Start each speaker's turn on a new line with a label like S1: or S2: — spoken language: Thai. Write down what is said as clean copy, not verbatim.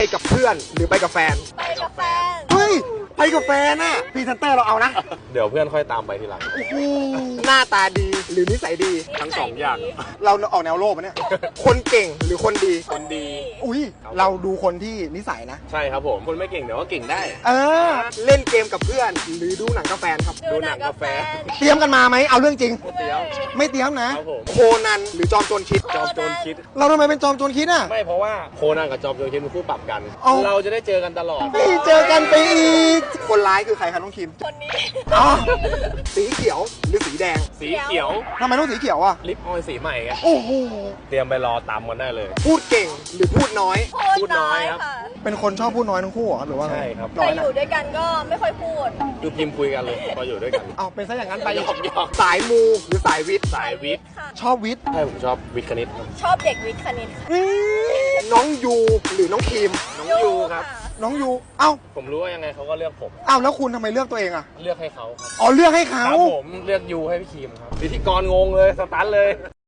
S1: ไปกับเพื่อนหรือไปกับแฟน
S2: ไปกับแฟน
S1: เฮ้ยไปกับแฟนน่ะพรีเซนเตอร์เราเอานะ
S3: เดี๋ยวเพื่อนค่อยตามไปทีหลัง
S1: หน้าตาดีหรือนิสัยดี
S3: ทั้งสองอย่าง
S1: เราออกแนวโลภปะเนี่ย คนเก่งหรือคนดี
S3: คนดี
S1: อุ้ยเราดูคนที่นิสัยนะ
S3: ใช่ครับผม คนไม่เก่งเดี๋ยวก็เก่งได้
S1: เล่นเกมกับเพื่อนหรือดูหนังกับแฟนครับ
S2: ดูหนังกับแฟน
S1: เตรียมกันมาไหมเอาเรื่องจริง
S3: เดี๋ยว
S1: ไม่เตรียมนะ
S3: ครับผม
S1: โคนันหรือจอมโจรคิด
S3: จอมโจรคิด
S1: เราทำไมเป็นจอมโจรคิดอ่ะ
S3: ไม่เพราะว่าโคนันกับจอมโจรคิดเป็นคู่ปรับกัน
S1: เอ้า
S3: เราจะได้เจอกันตลอด
S1: ไม่เจอกันไปอีก คนร้ายคือใครครับน้องคิม
S2: คนนี้
S1: อ๋อสีเขียวหรือสีแดง
S3: สีเขียว
S1: ทำไมต้องสีเขียวอ่ะ
S3: ลิปออยล์สีใหม่ไง
S1: โอ้โห
S3: เตรียมไปรอตามกันได้เลย
S1: พูดเก่งหรือพูดน้อย
S2: พูดน้อยค่ะ
S1: เป็นคนชอบพูดน้อยทั้งคู่เหรอหรือว่าไง
S3: ใช่ครับ
S1: น้
S2: แต่
S1: อย
S2: อ
S1: นะ
S2: ยู่ด้วยกันก็ไม่ค่อยพูด
S3: คือพิมพ์คุยกันเลยพออยู่ด้วยกัน
S1: เอาเป็นซะอย่างนั้นไป
S3: หยอก
S1: สายมูหรือสายวิทย์
S3: สายวิทย์
S2: ค่ะ
S1: ชอบวิทย์
S3: ใช่ผมชอบวิทย์คณิตครับ
S2: ชอบเด็กวิทย์คณิตค่ะ
S1: น้องยูหรือน้องคิม
S3: น้องยูครับ
S1: น้องยูเอ้า
S3: ผมรู้ว่ายังไงเขาก็เลือกผม
S1: เอ้าแล้วคุณทำไมเลือกตัวเองอ่ะ
S3: เลือกให้เขาครับ
S1: อ๋อเลือกให้
S3: ค
S1: เขา
S3: รับผมเลือกยูให้พี่คีมครับพิธีกรงงเลยสตันเลย